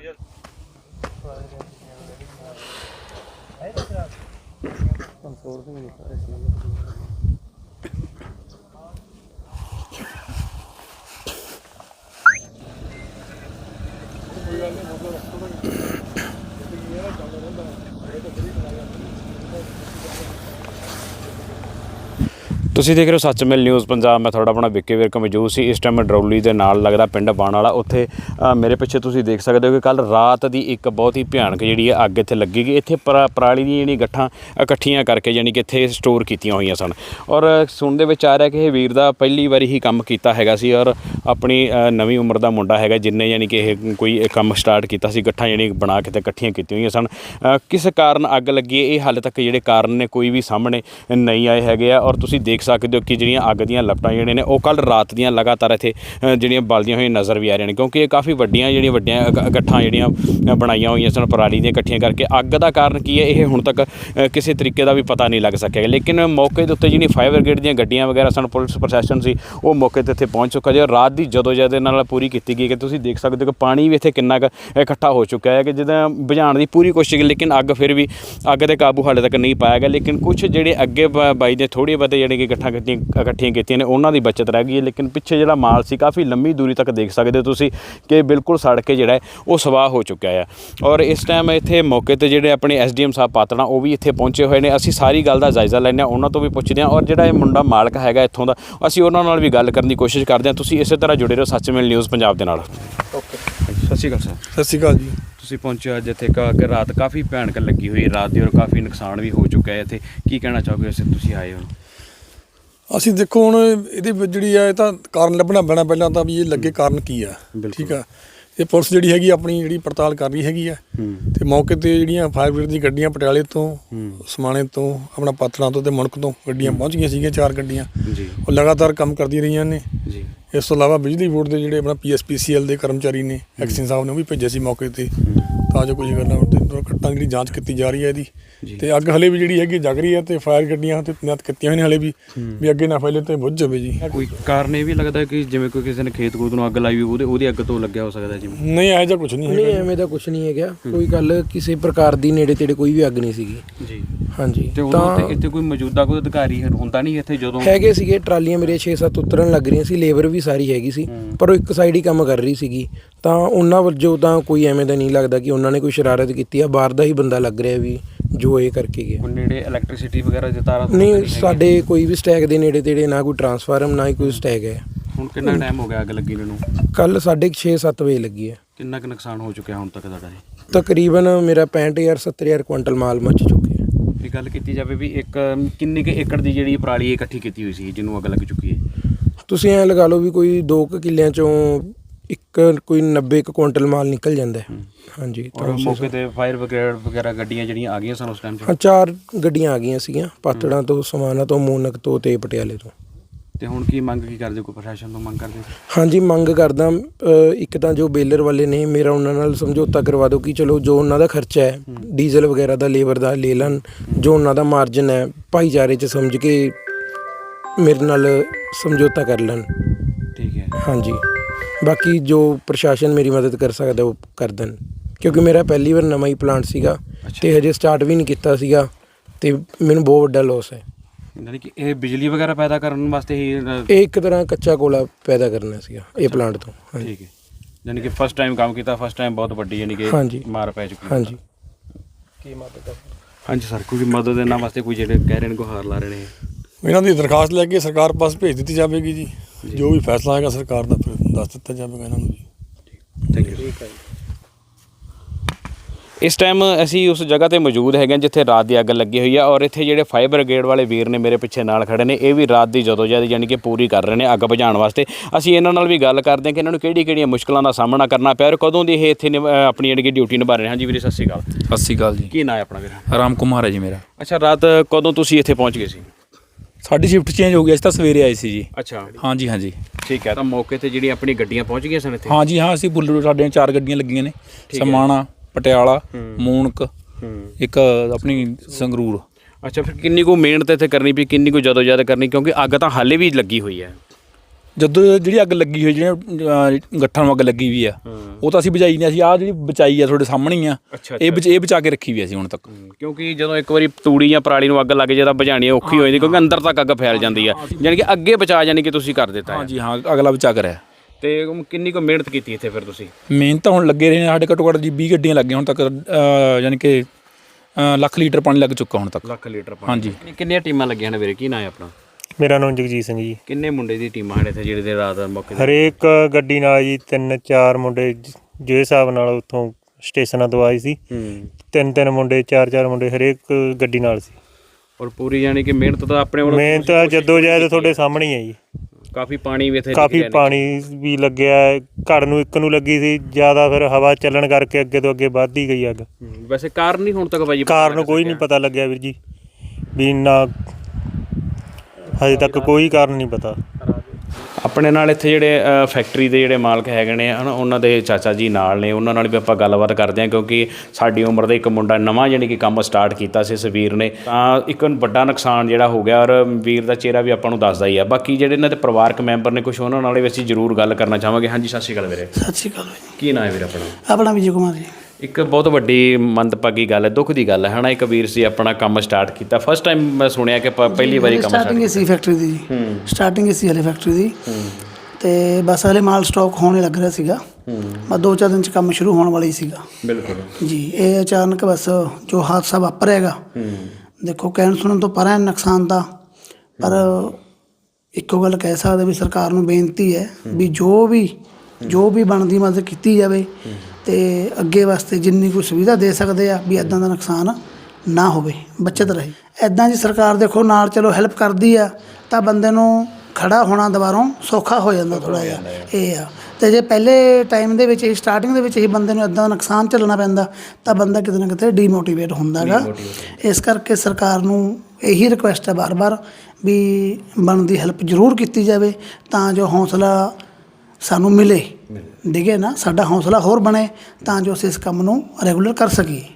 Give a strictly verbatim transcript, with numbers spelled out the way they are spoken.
ਤੁਸੀਂ ਦੇਖ ਰਹੇ ਹੋ ਸੱਚ ਮੇਲ ਨਿਊਜ਼ ਪੰਜਾਬ। ਮੈਂ ਤੁਹਾਡਾ ਆਪਣਾ ਵਿੱਕੀ ਵਿਰਕ ਮੌਜੂਦ ਸੀ ਇਸ ਟਾਈਮ ਡਰੌਲੀ ਦੇ ਨਾਲ ਲੱਗਦਾ ਪਿੰਡ ਬਾਣਾਵਾਲਾ। ਉੱਥੇ ਮੇਰੇ ਪਿੱਛੇ ਤੁਸੀਂ ਦੇਖ ਸਕਦੇ ਹੋ ਕਿ ਕੱਲ੍ਹ ਰਾਤ ਦੀ ਇੱਕ ਬਹੁਤ ਹੀ ਭਿਆਨਕ ਜਿਹੜੀ ਹੈ ਅੱਗ ਇੱਥੇ ਲੱਗੀ ਗਈ। ਇੱਥੇ ਪਰਾ ਪਰਾਲੀ ਦੀਆਂ ਜਿਹੜੀਆਂ ਗੱਠਾਂ ਇਕੱਠੀਆਂ ਕਰਕੇ ਯਾਨੀ ਕਿ ਇੱਥੇ ਸਟੋਰ ਕੀਤੀਆਂ ਹੋਈਆਂ ਸਨ। ਔਰ ਸੁਣਨ ਦੇ ਵਿੱਚ ਆ ਰਿਹਾ ਕਿ ਇਹ ਵੀਰ ਦਾ ਪਹਿਲੀ ਵਾਰੀ ਹੀ ਕੰਮ ਕੀਤਾ ਹੈਗਾ ਸੀ ਔਰ ਆਪਣੀ ਨਵੀਂ ਉਮਰ ਦਾ ਮੁੰਡਾ ਹੈਗਾ ਜਿਹਨੇ ਯਾਨੀ ਕਿ ਇਹ ਕੋਈ ਕੰਮ ਸਟਾਰਟ ਕੀਤਾ ਸੀ। ਗੱਠਾਂ ਜਿਹੜੀ ਬਣਾ ਕੇ ਤੇ ਇਕੱਠੀਆਂ ਕੀਤੀਆਂ ਹੋਈਆਂ ਸਨ। ਕਿਸ ਕਾਰਨ ਅੱਗ ਲੱਗੀ ਇਹ ਹਾਲੇ ਤੱਕ ਜਿਹੜੇ ਕਾਰਨ ਨੇ ਕੋਈ ਵੀ ਸਾਹਮਣੇ ਨਹੀਂ ਆਏ ਹੈਗੇ ਆ। ਔਰ ਤੁਸੀਂ ਦੇਖ ਸਕਦੇ ਹੋ ਕਿ ਜਿਹੜੀਆਂ ਅੱਗ ਦੀਆਂ ਲਪਟਾਂ ਜਿਹੜੀਆਂ ਨੇ ਉਹ ਕੱਲ੍ਹ ਰਾਤ ਦੀਆਂ ਲਗਾਤਾਰ ਇੱਥੇ ਜਿਹੜੀਆਂ ਬਲਦੀਆਂ ਹੋਈਆਂ ਨਜ਼ਰ ਵੀ ਆ ਰਹੀਆਂ ਨੇ, ਕਿਉਂਕਿ ਇਹ ਕਾਫੀ ਵੱਡੀਆਂ ਜਿਹੜੀਆਂ ਵੱਡੀਆਂ ਗੱਠਾਂ ਜਿਹੜੀਆਂ ਬਣਾਈਆਂ ਹੋਈਆਂ ਸਨ ਪਰਾਲੀ ਦੀਆਂ ਇਕੱਠੀਆਂ ਕਰਕੇ। ਅੱਗ ਦਾ ਕਾਰਨ ਕੀ ਹੈ ਇਹ ਹੁਣ ਤੱਕ ਕਿਸੇ ਤਰੀਕੇ ਦਾ ਵੀ ਪਤਾ ਨਹੀਂ ਲੱਗ ਸਕਿਆ, ਲੇਕਿਨ ਮੌਕੇ ਦੇ ਉੱਤੇ ਜਿਹੜੀ ਫਾਇਰ ਬ੍ਰਿਗੇਡ ਦੀਆਂ ਗੱਡੀਆਂ ਵਗੈਰਾ ਸਨ, ਪੁਲਿਸ ਪ੍ਰਸ਼ਾਸਨ ਸੀ, ਉਹ ਮੌਕੇ 'ਤੇ ਇੱਥੇ ਪਹੁੰਚ ਚੁੱਕਾ ਜੀ। ਰਾਤ ਦੀ ਜਦੋਂ ਜਦ ਨਾਲ ਪੂਰੀ ਕੀਤੀ ਗਈ ਕਿ ਤੁਸੀਂ ਦੇਖ ਸਕਦੇ ਹੋ ਕਿ ਪਾਣੀ ਵੀ ਇੱਥੇ ਕਿੰਨਾ ਕੁ ਇਕੱਠਾ ਹੋ ਚੁੱਕਿਆ ਹੈ ਕਿ ਜਿੱਦਾਂ ਬੁਝਾਉਣ ਦੀ ਪੂਰੀ ਕੋਸ਼ਿਸ਼ ਕੀਤੀ, ਲੇਕਿਨ ਅੱਗ ਫਿਰ ਵੀ ਅੱਗ 'ਤੇ ਕਾਬੂ ਹਾਲੇ ਤੱਕ ਨਹੀਂ ਪਾਇਆ ਗਿਆ। ਲੇਕਿਨ ਕੁਛ ਜਿਹੜੇ ਅੱਗੇ ਬਾਈ ਦੇ ਥੋੜ੍ਹੇ ਬਹੁਤੇ ਜਿਹੜੇ ਕਿ ਇਕੱਠਾ ਕੀਤੀਆਂ ਇਕੱਠੀਆਂ ਕੀਤੀਆਂ ਨੇ ਉਹਨਾਂ ਦੀ ਬਚਤ ਰਹਿ ਗਈ ਹੈ, ਲੇਕਿਨ ਪਿੱਛੇ ਜਿਹੜਾ ਮਾਲ ਸੀ ਕਾਫੀ ਲੰਮੀ ਦੂਰੀ ਤੱਕ ਦੇਖ ਸਕਦੇ ਹੋ ਤੁਸੀਂ ਕਿ ਬਿਲਕੁਲ ਸੜ ਕੇ ਜਿਹੜਾ ਉਹ ਸਵਾਹ ਹੋ ਚੁੱਕਿਆ ਹੈ। ਔਰ ਇਸ ਟਾਈਮ ਇੱਥੇ ਮੌਕੇ 'ਤੇ ਜਿਹੜੇ ਆਪਣੇ ਐਸ ਡੀ ਐਮ ਸਾਹਿਬ ਪਾਤੜਾ ਉਹ ਵੀ ਇੱਥੇ ਪਹੁੰਚੇ ਹੋਏ ਨੇ। ਅਸੀਂ ਸਾਰੀ ਗੱਲ ਦਾ ਜਾਇਜ਼ਾ ਲੈਂਦੇ ਹਾਂ, ਉਹਨਾਂ ਤੋਂ ਵੀ ਪੁੱਛਦੇ ਹਾਂ। ਔਰ ਜਿਹੜਾ ਇਹ ਮੁੰਡਾ ਮਾਲਕ ਹੈਗਾ ਇੱਥੋਂ ਦਾ, ਅਸੀਂ ਉਹਨਾਂ ਨਾਲ ਵੀ ਗੱਲ ਕਰਨ ਦੀ ਕੋਸ਼ਿਸ਼ ਕਰਦੇ ਹਾਂ। ਤੁਸੀਂ ਇਸੇ ਤਰ੍ਹਾਂ ਜੁੜੇ ਰਹੋ ਸੱਚ ਮੇਲ ਨਿਊਜ਼ ਪੰਜਾਬ ਦੇ ਨਾਲ। ਓਕੇ, ਸਤਿ ਸ਼੍ਰੀ ਅਕਾਲ ਸਰ। ਸਤਿ ਸ਼੍ਰੀ ਅਕਾਲ ਜੀ। ਤੁਸੀਂ ਪਹੁੰਚੇ ਅੱਜ ਇੱਥੇ ਕਿ ਰਾਤ ਕਾਫੀ ਭਿਆਨਕ ਲੱਗੀ ਹੋਈ ਰਾਤ ਦੀ ਔਰ ਕਾਫੀ ਨੁਕਸਾਨ ਵੀ ਹੋ ਚੁੱਕਾ ਹੈ ਇੱਥੇ, ਕੀ ਕਹਿਣਾ ਚਾਹੋਗੇ ਅਸੀਂ ਤੁਸੀਂ ਆਏ ਹੋ? ਅਸੀਂ ਦੇਖੋ ਹੁਣ ਇਹਦੇ ਵਿੱਚ ਜਿਹੜੀ ਆ ਇਹ ਤਾਂ ਕਾਰਨ ਲੱਭਣਾ ਪੈਣਾ ਪਹਿਲਾਂ ਤਾਂ ਵੀ ਇਹ ਲੱਗੇ ਕਾਰਨ ਕੀ ਆ। ਠੀਕ ਆ, ਇਹ ਪੁਲਿਸ ਜਿਹੜੀ ਹੈਗੀ ਆਪਣੀ ਜਿਹੜੀ ਪੜਤਾਲ ਕਰ ਰਹੀ ਹੈਗੀ ਆ ਤੇ ਮੌਕੇ 'ਤੇ ਜਿਹੜੀਆਂ ਫਾਇਰ ਬ੍ਰਿਗੇਡ ਦੀਆਂ ਗੱਡੀਆਂ ਪਟਿਆਲੇ ਤੋਂ, ਸਮਾਣੇ ਤੋਂ, ਆਪਣਾ ਪਾਤੜਾਂ ਤੋਂ ਤੇ ਮੁਣਕ ਤੋਂ ਗੱਡੀਆਂ ਪਹੁੰਚ ਗਈਆਂ ਸੀਗੀਆਂ, ਚਾਰ ਗੱਡੀਆਂ ਉਹ ਲਗਾਤਾਰ ਕੰਮ ਕਰਦੀਆਂ ਰਹੀਆਂ ਨੇ। ਇਸ ਤੋਂ ਇਲਾਵਾ ਬਿਜਲੀ ਬੋਰਡ ਦੇ ਜਿਹੜੇ ਆਪਣਾ ਪੀ ਐਸ ਪੀ ਸੀ ਐਲ ਦੇ ਕਰਮਚਾਰੀ ਨੇ, ਐਕਸ਼ਨ ਸਾਹਿਬ ਨੇ, ਉਹ ਵੀ ਭੇਜੇ ਸੀ ਮੌਕੇ 'ਤੇ ਤਾਂ ਜੋ ਕੁਝ ਗੱਲਾਂ ਘਟਨਾ ਜਿਹੜੀ ਜਾਂਚ ਕੀਤੀ ਜਾ ਰਹੀ ਹੈ ਇਹਦੀ। ਤੇ ਅੱਗ ਹਲੇ ਵੀ ਜਿਹੜੀ ਹੈਗੀ ਜਗ ਰਹੀ ਹੈ ਤੇ ਫਾਇਰ ਗੱਡੀਆਂ ਤੇ ਤੈਨਾਤ ਕੀਤੀਆਂ ਹੋਈਆਂ ਨੇ ਹਲੇ ਵੀ ਵੀ ਅੱਗੇ ਨਾ ਫੈਲੇ ਤੇ ਬੁੱਝ ਜਾਵੇ ਜੀ। ਕੋਈ ਕਾਰਨ ਇਹ ਵੀ ਲੱਗਦਾ ਕਿ ਜਿਵੇਂ ਕੋਈ ਕਿਸੇ ਨੇ ਖੇਤ ਖੂਤ ਨੂੰ ਅੱਗ ਲਾਈ ਉਹਦੇ ਉਹਦੀ ਅੱਗ ਤੋਂ ਲੱਗਿਆ ਹੋ ਸਕਦਾ ਜਿਵੇਂ? ਨਹੀਂ, ਇਹੋ ਜਿਹਾ ਕੁਛ ਨਹੀਂ ਨਹੀਂ, ਐਵੇਂ ਦਾ ਕੁਛ ਨਹੀਂ ਹੈਗਾ। ਕੋਈ ਗੱਲ ਕਿਸੇ ਪ੍ਰਕਾਰ ਦੀ ਨੇੜੇ ਤੇੜੇ ਕੋਈ ਵੀ ਅੱਗ ਨਹੀਂ ਸੀਗੀ ਜੀ। ਹਾਂਜੀ, ਤਾਂ ਇੱਥੇ ਕੋਈ ਮੌਜੂਦਾ ਕੋਈ ਅਧਿਕਾਰੀ ਹੁੰਦਾ ਨਹੀਂ ਇੱਥੇ? ਜਦੋਂ ਹੈਗੇ ਸੀਗੇ ਟਰਾਲੀਆਂ ਮੇਰੇ ਛੇ ਸੱਤ ਉਤਰਨ ਲੱਗ ਰਹੀਆਂ ਸੀ, ਲੇਬਰ ਵੀ ਸਾਰੀ ਹੈਗੀ ਸੀ, ਪਰ ਉਹ ਇੱਕ ਸਾਈਡ ਹੀ ਕੰਮ ਕਰ ਰਹੀ ਸੀਗੀ। ਤਾਂ ਉਹਨਾਂ ਵੱਲੋਂ ਤਾਂ ਕੋਈ ਐਵੇਂ ਦਾ ਨਹੀਂ ਲੱਗਦਾ ਕਿ ਉਹਨਾਂ ਨੇ ਕੋਈ ਸ਼ਰਾਰਤ ਕੀਤੀ ਆ। ਬਾਹਰ ਦਾ ਹੀ ਬੰਦਾ ਲੱਗ ਰਿਹਾ ਵੀ ਜੋ ਇਹ ਕਰਕੇ ਗਿਆ। ਨੇੜੇ ਇਲੈਕਟ੍ਰਿਸਿਟੀ ਵਗੈਰਾ ਦੇ ਤਾਰਾਂ ਨਹੀਂ, ਸਾਡੇ ਕੋਈ ਵੀ ਸਟੈਕ ਦੇ ਨੇੜੇ ਤੇੜੇ ਨਾ ਕੋਈ ਟਰਾਂਸਫਾਰਮ ਨਾ ਹੀ ਕੋਈ ਸਟੈਕ ਹੈ। ਹੁਣ ਕਿੰਨਾ ਟਾਈਮ ਹੋ ਗਿਆ ਅੱਗ ਲੱਗੀ ਨੂੰ? ਕੱਲ੍ਹ ਸਾਢੇ ਛੇ ਸੱਤ ਵਜੇ ਲੱਗੀ ਹੈ। ਕਿੰਨਾ ਕੁ ਨੁਕਸਾਨ ਹੋ ਚੁੱਕਿਆ ਹੁਣ ਤੱਕ ਤੁਹਾਡਾ? ਤਕਰੀਬਨ ਮੇਰਾ ਪੈਂਹਠ ਹਜ਼ਾਰ ਸੱਤਰ ਹਜ਼ਾਰ ਕੁਇੰਟਲ ਮਾਲ ਮੱਚ ਚੁੱਕਿਆ। ਇਹ ਗੱਲ ਕੀਤੀ ਜਾਵੇ ਵੀ ਇੱਕ ਕਿੰਨੇ ਕੁ ਏਕੜ ਦੀ ਜਿਹੜੀ ਪਰਾਲੀ ਇਕੱਠੀ ਕੀਤੀ ਹੋਈ ਸੀ ਜਿਹਨੂੰ ਅੱਗ ਲੱਗ ਚੁੱਕੀ ਹੈ? ਤੁਸੀਂ ਐਂ ਲਗਾ ਲਓ ਵੀ ਕੋਈ ਦੋ ਕੁ ਕਿੱਲਿਆਂ 'ਚੋਂ ਇੱਕ ਕੋਈ ਨੱਬੇ ਕੁ ਕੁਇੰਟਲ ਮਾਲ ਨਿਕਲ ਜਾਂਦਾ। ਹਾਂਜੀ, ਔਰ ਮੌਕੇ 'ਤੇ ਫਾਇਰ ਬ੍ਰਿਗੇਡ ਵਗੈਰਾ ਗੱਡੀਆਂ ਜਿਹੜੀਆਂ ਆ ਗਈਆਂ ਸਨ ਉਸ ਟਾਈਮ? ਹਾਂ, ਚਾਰ ਗੱਡੀਆਂ ਆ ਗਈਆਂ ਸੀਗੀਆਂ, ਪਾਤੜਾਂ ਤੋਂ, ਸਮਾਣਾ ਤੋਂ, ਮੋਨਕ ਤੋਂ ਤੇ ਪਟਿਆਲੇ ਤੋਂ। ਤੇ ਹੁਣ ਕੀ ਮੰਗ ਕੀ ਕਰਦੇ, ਕੋਈ ਪ੍ਰਸ਼ਾਸਨ ਤੋਂ ਮੰਗ ਕਰਦੇ? ਹਾਂਜੀ, ਮੰਗ ਕਰਦਾ ਇੱਕ ਤਾਂ ਜੋ ਬੇਲਰ ਵਾਲੇ ਨੇ ਮੇਰਾ ਉਹਨਾਂ ਨਾਲ ਸਮਝੌਤਾ ਕਰਵਾ ਦਿਓ ਕਿ ਚਲੋ ਜੋ ਉਹਨਾਂ ਦਾ ਖਰਚਾ ਹੈ ਡੀਜ਼ਲ ਵਗੈਰਾ ਦਾ, ਲੇਬਰ ਦਾ ਲੈ ਲੈਣ, ਜੋ ਉਹਨਾਂ ਦਾ ਮਾਰਜਨ ਹੈ ਭਾਈਚਾਰੇ 'ਚ ਸਮਝ ਕੇ ਮੇਰੇ ਨਾਲ ਸਮਝੌਤਾ ਕਰ ਲੈਣ। ਠੀਕ ਹੈ। ਹਾਂਜੀ, ਬਾਕੀ ਜੋ ਪ੍ਰਸ਼ਾਸਨ ਮੇਰੀ ਮਦਦ ਕਰ ਸਕਦਾ ਉਹ ਕਰ ਦੇਣ, ਕਿਉਂਕਿ ਮੇਰਾ ਪਹਿਲੀ ਵਾਰ ਨਵਾਂ ਹੀ ਪਲਾਂਟ ਸੀਗਾ ਅਤੇ ਹਜੇ ਸਟਾਰਟ ਵੀ ਨਹੀਂ ਕੀਤਾ ਸੀਗਾ ਅਤੇ ਮੈਨੂੰ ਬਹੁਤ ਵੱਡਾ ਲੋਸ ਹੈ। ਯਾਨੀ ਕਿ ਇਹ ਬਿਜਲੀ ਵਗੈਰਾ ਪੈਦਾ ਕਰਨ ਵਾਸਤੇ ਹੀ ਇਹ ਇੱਕ ਤਰ੍ਹਾਂ ਕੱਚਾ ਕੋਲਾ ਪੈਦਾ ਕਰਨਾ ਸੀਗਾ ਇਹ ਪਲਾਂਟ ਤੋਂ। ਠੀਕ ਹੈ, ਯਾਨੀ ਕਿ ਫਸਟ ਟਾਈਮ ਕੰਮ ਕੀਤਾ, ਫਸਟ ਟਾਈਮ ਬਹੁਤ ਵੱਡੀ ਯਾਨੀ ਕਿ ਹਾਂਜੀ ਮਾਰ ਪੈ ਚੁੱਕੀ। ਹਾਂਜੀ, ਕੀ ਮਦਦ? ਹਾਂਜੀ ਸਰ, ਕੋਈ ਮਦਦ ਇਹਨਾਂ ਵਾਸਤੇ ਕੋਈ ਜਿਹੜੇ ਕਹਿ ਰਹੇ ਨੇ ਗੁਹਾਰ ਲਾ ਰਹੇ ਨੇ, ਇਹਨਾਂ ਦੀ ਦਰਖਾਸਤ ਲੈ ਕੇ ਸਰਕਾਰ ਪਾਸ ਭੇਜ ਦਿੱਤੀ ਜਾਵੇਗੀ ਜੀ। ਜੋ ਵੀ ਫੈਸਲਾ ਆਏਗਾ ਸਰਕਾਰ ਦਾ ਫਿਰ ਦੱਸ ਦਿੱਤਾ ਜਾਵੇਗਾ ਇਹਨਾਂ ਨੂੰ ਜੀ। Thank you. ਇਸ ਟਾਈਮ ਅਸੀਂ ਉਸ ਜਗ੍ਹਾ 'ਤੇ ਮੌਜੂਦ ਹੈਗੇ ਜਿੱਥੇ ਰਾਤ ਦੀ ਅੱਗ ਲੱਗੀ ਹੋਈ ਆ ਔਰ ਇੱਥੇ ਜਿਹੜੇ ਫਾਇਰ ਬ੍ਰਿਗੇਡ ਵਾਲੇ ਵੀਰ ਨੇ ਮੇਰੇ ਪਿੱਛੇ ਨਾਲ ਖੜ੍ਹੇ ਨੇ, ਇਹ ਵੀ ਰਾਤ ਦੀ ਜਦੋਂ ਜਦ ਯਾਨੀ ਕਿ ਪੂਰੀ ਕਰ ਰਹੇ ਨੇ ਅੱਗ ਬੁਝਾਉਣ ਵਾਸਤੇ। ਅਸੀਂ ਇਹਨਾਂ ਨਾਲ ਵੀ ਗੱਲ ਕਰਦੇ ਹਾਂ ਕਿ ਇਹਨਾਂ ਨੂੰ ਕਿਹੜੀ ਕਿਹੜੀਆਂ ਮੁਸ਼ਕਲਾਂ ਦਾ ਸਾਹਮਣਾ ਕਰਨਾ ਪਿਆ ਔਰ ਕਦੋਂ ਦੀ ਇਹ ਇੱਥੇ ਆਪਣੀ ਜਿਹੜੀ ਕਿ ਡਿਊਟੀ ਨਿਭਾ ਰਹੇ ਨੇ। ਹਾਂਜੀ ਵੀਰੇ, ਸਤਿ ਸ਼੍ਰੀ ਅਕਾਲ। ਸਤਿ ਸ਼੍ਰੀ ਅਕਾਲ ਜੀ। ਕੀ ਨਾਂ ਹੈ ਆਪਣਾ ਵੀਰ? ਰਾਮ ਕੁਮਾਰ ਹੈ ਜੀ ਮੇਰਾ। ਅੱਛਾ, ਰਾਤ ਕਦੋਂ ਤੁਸੀਂ ਇੱਥੇ ਪਹੁੰਚ ਗਏ ਸੀ? ਸਾਡੀ ਸ਼ਿਫਟ ਚੇਂਜ ਹੋ ਗਈ, ਅਸੀਂ ਤਾਂ ਸਵੇਰੇ ਆਏ ਸੀ ਜੀ। ਅੱਛਾ, ਹਾਂਜੀ ਹਾਂਜੀ ਠੀਕ ਹੈ। ਤਾਂ ਮੌਕੇ 'ਤੇ ਜਿਹੜੀਆਂ ਆਪਣੀ ਗੱਡੀਆਂ ਪਹੁੰਚ ਗਈਆਂ ਸਨ ਇੱਥੇ? ਹਾਂਜੀ ਹਾਂ, ਅਸੀਂ ਬੁੱਲਰ ਸਾਡੀਆਂ ਚਾਰ ਗੱਡੀਆਂ ਲੱਗੀਆਂ ਨੇ, ਸਮਾਣਾ, ਪਟਿਆਲਾ, ਮੂਨਕ, ਇੱਕ ਆਪਣੀ ਸੰਗਰੂਰ। ਅੱਛਾ, ਫਿਰ ਕਿੰਨੀ ਕੁ ਮਿਹਨਤ ਇੱਥੇ ਕਰਨੀ ਪਈ, ਕਿੰਨੀ ਕੁ ਜਦੋਂ ਜਦ ਕਰਨੀ, ਕਿਉਂਕਿ ਅੱਗ ਤਾਂ ਹਾਲੇ ਵੀ ਲੱਗੀ ਹੋਈ ਹੈ? ਜਦੋਂ ਜਿਹੜੀ ਅੱਗ ਲੱਗੀ ਹੋਈ ਜਿਹੜੀਆਂ ਗੱਠਾਂ ਨੂੰ ਅੱਗ ਲੱਗੀ ਵੀ ਆ ਉਹ ਤਾਂ ਅਸੀਂ ਬੁਝਾਈ ਨਹੀਂ, ਅਸੀਂ ਆਹ ਜਿਹੜੀ ਬਚਾਈ ਆ ਤੁਹਾਡੇ ਸਾਹਮਣੇ ਹੀ ਆ, ਇਹ ਬਚ ਇਹ ਬਚਾ ਕੇ ਰੱਖੀ ਵੀ ਅਸੀਂ ਹੁਣ ਤੱਕ। ਕਿਉਂਕਿ ਜਦੋਂ ਇੱਕ ਵਾਰੀ ਤੂੜੀ ਜਾਂ ਪਰਾਲੀ ਨੂੰ ਅੱਗ ਲੱਗ ਜੇ ਤਾਂ ਬੁਝਾਉਣੀ ਔਖੀ ਹੋ ਜਾਂਦੀ, ਕਿਉਂਕਿ ਅੰਦਰ ਤੱਕ ਅੱਗ ਫੈਲ ਜਾਂਦੀ ਆ, ਯਾਨੀ ਕਿ ਅੱਗੇ ਬਚਾ ਜਾਣੀ ਕਿ ਤੁਸੀਂ ਕਰ ਦਿੱਤਾ। ਹਾਂਜੀ ਹਾਂ, ਅਗਲਾ ਬਚਾ ਕਰਿਆ। ਤੇ ਕਿੰਨੀ ਕੁ ਮਿਹਨਤ ਕੀਤੀ ਇੱਥੇ ਫਿਰ ਤੁਸੀਂ? ਮਿਹਨਤ ਤਾਂ ਹੁਣ ਲੱਗੇ ਰਹੇ ਨੇ, ਸਾਡੇ ਘੱਟੋ ਘੱਟ ਜੀ ਵੀਹ ਗੱਡੀਆਂ ਲੱਗੀਆਂ ਹੁਣ ਤੱਕ, ਯਾਨੀ ਕਿ ਲੱਖ ਲੀਟਰ ਪਾਣੀ ਲੱਗ ਚੁੱਕਾ ਹੁਣ ਤੱਕ। ਲੱਖ ਲੀਟਰ ਪਾਣੀ। ਹਾਂਜੀ। ਕਿੰਨੀਆਂ ਟੀਮਾਂ ਲੱਗੀਆਂ ਨੇ ਵੀਰੇ, ਕੀ ਨਾਂ ਹੈ ਆਪਣਾ? ਮੇਰਾ ਨਾਮ ਜਗਜੀਤ ਸਿੰਘ ਜੀ। ਕਿੰਨੇ ਮੁੰਡੇ ਦੀ ਟੀਮਾਂ ਹਨ ਇੱਥੇ ਜਿਹੜੇ ਦੇ ਰਾਤ ਮੌਕੇ ਤੇ? ਹਰੇਕ ਗੱਡੀ ਨਾਲ ਜੀ ਤਿੰਨ ਚਾਰ ਮੁੰਡੇ ਜਿਹੜੇ ਹਿਸਾਬ ਨਾਲ ਉੱਥੋਂ ਸਟੇਸ਼ਨਾਂ ਤੋਂ ਆਏ ਸੀ, ਤਿੰਨ ਤਿੰਨ ਮੁੰਡੇ ਚਾਰ ਚਾਰ ਮੁੰਡੇ ਹਰੇਕ ਗੱਡੀ ਨਾਲ ਸੀ। ਔਰ ਪੂਰੀ ਯਾਨੀ ਕਿ ਮਿਹਨਤ ਤਾਂ ਆਪਣੇ ਵੱਲੋਂ ਮਿਹਨਤ ਜੱਦੋ ਜਹਿਦ ਤੁਹਾਡੇ ਸਾਹਮਣੇ ਹੀ ਹੈ ਜੀ। ਕਾਫੀ ਪਾਣੀ ਵੀ ਇੱਥੇ ਕਾਫੀ ਪਾਣੀ ਵੀ ਲੱਗਿਆ, ਘੜ ਨੂੰ ਇੱਕ ਨੂੰ ਲੱਗੀ ਸੀ ਜ਼ਿਆਦਾ, ਫਿਰ ਹਵਾ ਚੱਲਣ ਕਰਕੇ ਅੱਗੇ ਤੋਂ ਅੱਗੇ ਵੱਧਦੀ ਗਈ ਅੱਗ। ਵੈਸੇ ਕਾਰਨ ਨਹੀਂ ਹੁਣ ਤੱਕ ਬਾਈ ਕਾਰਨ ਕੋਈ ਨਹੀਂ ਪਤਾ ਲੱਗਿਆ ਵੀਰ ਜੀ, ਵੀ ਇੰਨਾ ਹਜੇ ਤੱਕ ਕੋਈ ਕਾਰਨ ਨਹੀਂ ਪਤਾ। ਆਪਣੇ ਨਾਲ ਇੱਥੇ ਜਿਹੜੇ ਫੈਕਟਰੀ ਦੇ ਜਿਹੜੇ ਮਾਲਕ ਹੈਗੇ ਨੇ ਹਨਾ, ਉਹਨਾਂ ਦੇ ਚਾਚਾ ਜੀ ਨਾਲ ਨੇ, ਉਹਨਾਂ ਨਾਲ ਵੀ ਆਪਾਂ ਗੱਲਬਾਤ ਕਰਦੇ ਹਾਂ, ਕਿਉਂਕਿ ਸਾਡੀ ਉਮਰ ਦਾ ਇੱਕ ਮੁੰਡਾ ਨਵਾਂ ਯਾਨੀ ਕਿ ਕੰਮ ਸਟਾਰਟ ਕੀਤਾ ਸੀ ਇਸ ਵੀਰ ਨੇ, ਤਾਂ ਇੱਕ ਵੱਡਾ ਨੁਕਸਾਨ ਜਿਹੜਾ ਹੋ ਗਿਆ, ਔਰ ਵੀਰ ਦਾ ਚਿਹਰਾ ਵੀ ਆਪਾਂ ਨੂੰ ਦੱਸਦਾ ਹੀ ਆ। ਬਾਕੀ ਜਿਹੜੇ ਇਹਨਾਂ ਦੇ ਪਰਿਵਾਰਕ ਮੈਂਬਰ ਨੇ ਕੁਛ, ਉਹਨਾਂ ਨਾਲ ਵੀ ਅਸੀਂ ਜ਼ਰੂਰ ਗੱਲ ਕਰਨਾ ਚਾਹਾਂਗੇ। ਹਾਂਜੀ, ਸਤਿ ਸ਼੍ਰੀ ਅਕਾਲ ਵੀਰੇ। ਸਤਿ ਸ਼੍ਰੀ ਅਕਾਲ ਜੀ। ਕੀ ਨਾਂ ਹੈ ਵੀਰ ਆਪਣਾ? ਆਪਣਾ ਵਿਜੇ ਕੁਮਾਰ ਜੀ। ਇੱਕ ਬਹੁਤ ਵੱਡੀ ਮੰਦਭਾਗੀ ਗੱਲ ਹੈ, ਦੁੱਖ ਦੀ ਗੱਲ ਹੈ ਹਨਾ, ਇੱਕ ਵੀਰ ਸੀ ਆਪਣਾ ਕੰਮ ਸਟਾਰਟ ਕੀਤਾ, ਫਸਟ ਟਾਈਮ ਮੈਂ ਸੁਣਿਆ ਕਿ ਪ- ਪਹਿਲੀ ਵਾਰੀ ਕੰਮ ਸਟਾਰਟਿੰਗ ਸੀ ਫੈਕਟਰੀ ਦੀ, ਸਟਾਰਟਿੰਗ ਸੀ ਹਲੇ ਫੈਕਟਰੀ ਦੀ, ਤੇ ਬਸ ਹਲੇ ਮਾਲ ਸਟਾਕ ਹੋਣੇ ਲੱਗ ਰਿਹਾ ਸੀਗਾ, ਬਸ ਦੋ ਚਾਰ ਦਿਨ ਚ ਕੰਮ ਸ਼ੁਰੂ ਹੋਣ ਵਾਲਾ ਹੀ ਸੀਗਾ। ਬਿਲਕੁਲ ਜੀ, ਇਹ ਅਚਾਨਕ ਬਸ ਜੋ ਹਾਦਸਾ ਵਾਪਰਿਆ ਹੈਗਾ, ਦੇਖੋ ਕਹਿਣ ਸੁਣਨ ਤੋਂ ਪਰਾਂ ਨੁਕਸਾਨ ਦਾ, ਪਰ ਇੱਕੋ ਗੱਲ ਕਹਿ ਸਕਦੇ ਵੀ ਸਰਕਾਰ ਨੂੰ ਬੇਨਤੀ ਹੈ ਵੀ ਜੋ ਵੀ ਜੋ ਵੀ ਬਣਦੀ ਮਦਦ ਕੀਤੀ ਜਾਵੇ, ਤੇ ਅੱਗੇ ਵਾਸਤੇ ਜਿੰਨੀ ਕੋਈ ਸੁਵਿਧਾ ਦੇ ਸਕਦੇ ਆ ਵੀ ਇੱਦਾਂ ਦਾ ਨੁਕਸਾਨ ਨਾ ਹੋਵੇ, ਬੱਚਤ ਰਹੇ। ਇੱਦਾਂ ਜੀ ਸਰਕਾਰ ਦੇਖੋ ਨਾਲ ਚਲੋ ਹੈਲਪ ਕਰਦੀ ਆ ਤਾਂ ਬੰਦੇ ਨੂੰ ਖੜਾ ਹੋਣਾ ਦੁਬਾਰੋਂ ਸੌਖਾ ਹੋ ਜਾਂਦਾ ਥੋੜ੍ਹਾ ਜਿਹਾ, ਇਹ ਆ। ਅਤੇ ਜੇ ਪਹਿਲੇ ਟਾਈਮ ਦੇ ਵਿੱਚ ਹੀ ਸਟਾਰਟਿੰਗ ਦੇ ਵਿੱਚ ਹੀ ਬੰਦੇ ਨੂੰ ਇੱਦਾਂ ਦਾ ਨੁਕਸਾਨ ਝੱਲਣਾ ਪੈਂਦਾ ਤਾਂ ਬੰਦਾ ਕਿਤੇ ਨਾ ਕਿਤੇ ਡੀਮੋਟੀਵੇਟ ਹੁੰਦਾ ਗਾ। ਇਸ ਕਰਕੇ ਸਰਕਾਰ ਨੂੰ ਇਹੀ ਰਿਕੁਐਸਟ ਹੈ ਬਾਰ-ਬਾਰ ਵੀ ਬਣਦੀ ਹੈਲਪ ਜ਼ਰੂਰ ਕੀਤੀ ਜਾਵੇ, ਤਾਂ ਜੋ ਹੌਸਲਾ ਸਾਨੂੰ ਮਿਲੇ, ਡਿੱਗੇ ਨਾ, ਸਾਡਾ ਹੌਸਲਾ ਹੋਰ ਬਣੇ, ਤਾਂ ਜੋ ਅਸੀਂ ਇਸ ਕੰਮ ਨੂੰ ਰੈਗੂਲਰ ਕਰ ਸਕੀਏ।